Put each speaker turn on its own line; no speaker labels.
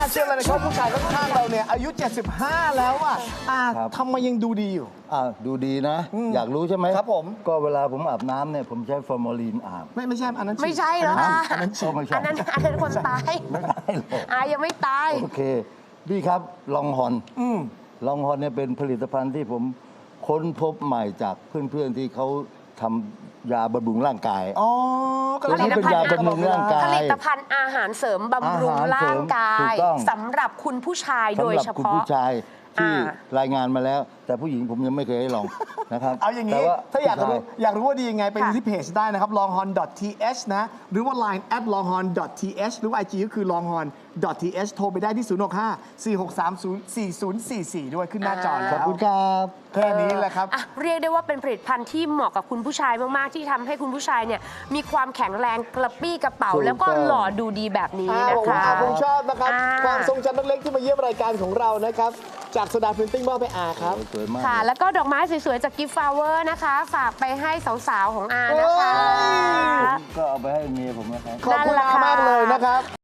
เชื่อเลยนะครับผู้ชายข้างๆเราเนี่ยอายุ 75 แล้วอ่ะทำไมยังดูดีอยู่
ดูดีนะ อยากรู้ใช่ไหม
ครับผม
ก็เวลาผมอาบน้ำเนี่ยผมใช้ฟอร์มาลีนอาบ
ไม่ใช่อันนั้น
ไม่ใช่แล้วค่ะ
อันนั้นฉีด
ไม่ใช่
อันนั้นคนตาย
ไม่ได้หรอก
ยังไม่ตาย
โอเคพี่ครับลองฮอนลองฮอนเนี่ยเป็นผลิตภัณฑ์ที่ผมค้นพบใหม่จากเพื่อนๆที่เขาทำยาบำรุงร่างกาย
อ๋อ
ตัวนี้เป็นยาบำรุงร่างกาย
ผลิตภัณฑ์อาหารเสริมบำรุงร่างกา
ถู
ย
กต้อง
สำหรับคุณผู้ชายโดยเฉ
สำหรับคุณ
พาะ
ผู้ชายที่รายงานมาแล้ว แต่ผู้หญิงผมยังไม่เคยให้ลองนะครับ
เอาอย่างนี้
แต่ว่
ถ้าอยากรู้
ผู้ช
อยากรู้ว่าดียังไงไปดู
ค่ะ
ที่เพจได้นะครับ longhorn.th นะ หรือว่า line @longhorn.th หรือว่า IG ก็คือ longhorn.th โทรไปได้ที่ 065-4630-4044 ด้วยขึ้นหน้าจอ
ข
แล้
อบ
ว
คุณครับ
แค่นี้แหละครับ
เรียกได้ว่าเป็นผลิตภัณฑ์ที่เหมาะกับคุณผู้ชายมากๆที่ทำให้คุณผู้ชายเนี่ยมีความแข็งแรงกระปี้กระเป๋า
ถูกต้อง
แล้วก็หล่อดูดีแบบนี้นะ
ผม
คะ
ว่าคงชอบนะครับ
อ่า
ความทรงจำเล็กๆที่มาเยี่ยมรายการของเรานะครับ จากโซดาพรินติ้งมอบไปครับ
สวยมาก
ค่ะ แล้วก็ดอกไม้สวยๆจากกิฟต์ฟลาวเวอร์นะคะ ฝากไปให้สาวๆของอานะคะ
เฮ้ย
ก็เอาไปให้เมียผมนะครับ
ขอบคุณ
นั่นแหละค่ะ
มากเลยนะครับ